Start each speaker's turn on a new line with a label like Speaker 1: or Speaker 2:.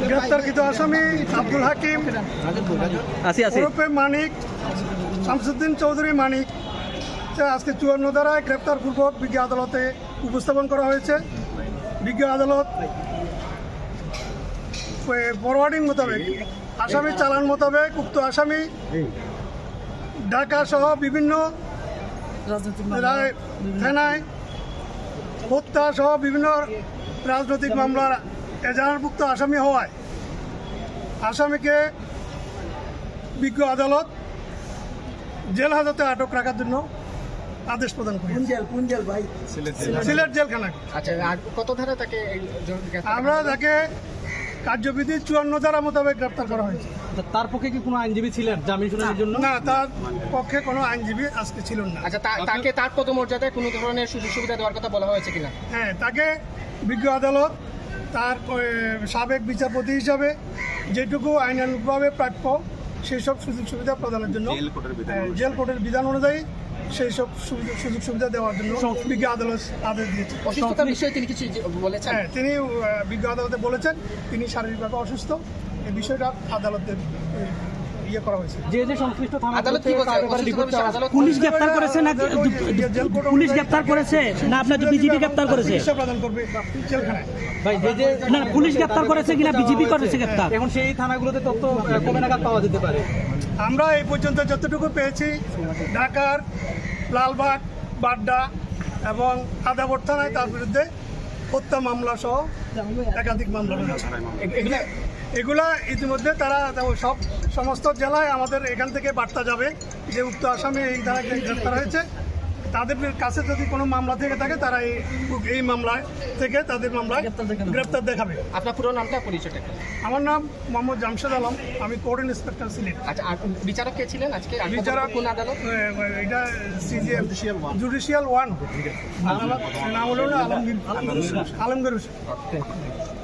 Speaker 1: গ্রেপ্তারকৃত আসামি আব্দুল হাকিম ওরফে মানিক, শামসুদ্দিন চৌধুরী মানিক আজকে 54 ধারায় গ্রেপ্তারপূর্বক বিজ্ঞ আদালতে উপস্থাপন করা হয়েছে। বিজ্ঞ আদালত ফরওয়ার্ডিং মোতাবেক আসামির চালান মোতাবেক উক্ত আসামি ঢাকা সহ বিভিন্ন থানায় হত্যা সহ বিভিন্ন রাজনৈতিক মামলার এজাহারভুক্ত আসামি হওয়ায় আসামিকে বিজ্ঞ আদালত জেল হাজতে আটক রাখার জন্য আদেশ প্রদান করি। সিলেট জেলখানা।
Speaker 2: আচ্ছা, কত ধারা তাকে
Speaker 1: আমরা তাকে কার্যবিধি 54 ধারা মোতাবেক গ্রেপ্তার করা হয়েছে।
Speaker 3: তার পক্ষে কি কোনো আইনজীবী ছিলেন জামিন শুনানির জন্য?
Speaker 1: না, তার পক্ষে কোনো আইনজীবী আজকে ছিলেন না।
Speaker 2: আচ্ছা, তাকে তার পদমর্যাদায় কোনো ধরনের সুযোগ সুবিধা দেওয়ার কথা বলা হয়েছে কিনা?
Speaker 1: হ্যাঁ, তাকে বিজ্ঞ আদালত তার সাবেক বিচারপতি হিসাবে যেটুকু আইনানুগভাবে প্রাপ্য সেই সব সুযোগ সুবিধা প্রদানের জন্য জেল কোর্টের বিধান অনুযায়ী সেই সব সুযোগ সুবিধা দেওয়ার জন্য বিজ্ঞ আদালত আদেশ দিয়েছে।
Speaker 2: অসুস্থতার বিষয়ে তিনি কিছু বলেছেন?
Speaker 1: হ্যাঁ, তিনি বিজ্ঞ আদালতে বলেছেন তিনি শারীরিকভাবে অসুস্থ। এই বিষয়টা আদালতের করা হয়েছে।
Speaker 3: যে সংশ্লিষ্ট থানা
Speaker 2: আদালত কি বলছে?
Speaker 4: পুলিশ গ্রেফতার করেছে না পুলিশ গ্রেফতার করেছে না আপনার বিজেপি গ্রেফতার করেছে?
Speaker 1: প্রদান করবে জেলখানায়।
Speaker 3: ভাই
Speaker 4: না পুলিশ গ্রেফতার করেছে কিনা বিজেপি করেছে গ্রেফতার?
Speaker 3: এখন সেই থানাগুলোতে তথ্য কবে নাগাদ পাওয়া যেতে পারে?
Speaker 1: আমরা এই পর্যন্ত যতটুকু পেয়েছি ঢাকার লালবাগ, বাড্ডা এবং আদাবর থানায় তার বিরুদ্ধে হত্যা মামলা সহ একাধিক মামলা রয়েছে। এগুলা ইতিমধ্যে তারা সমস্ত জেলায় আমাদের এখান থেকে বার্তা যাবে যে উক্ত আসামি এই দ্বারা গ্রেপ্তার হয়েছে। তাদের কাছে যদি কোনো মামলা থেকে থাকে তারা এই মামলায় থেকে তাদের মামলায় গ্রেপ্তার দেখাবে।
Speaker 2: আপনার পুরো নামটা পরিচয়টা?
Speaker 1: আমার নাম মোহাম্মদ জামশেদ আলম, আমি কোর্ট ইন্সপেক্টর সিলেট।
Speaker 2: আচ্ছা, আর বিচারক কে ছিলেন আজকে?
Speaker 1: বিচারক
Speaker 2: কোন আদালত?
Speaker 1: এটা জুডিশিয়াল 1 নাম হলো আলমগীর হোসেন।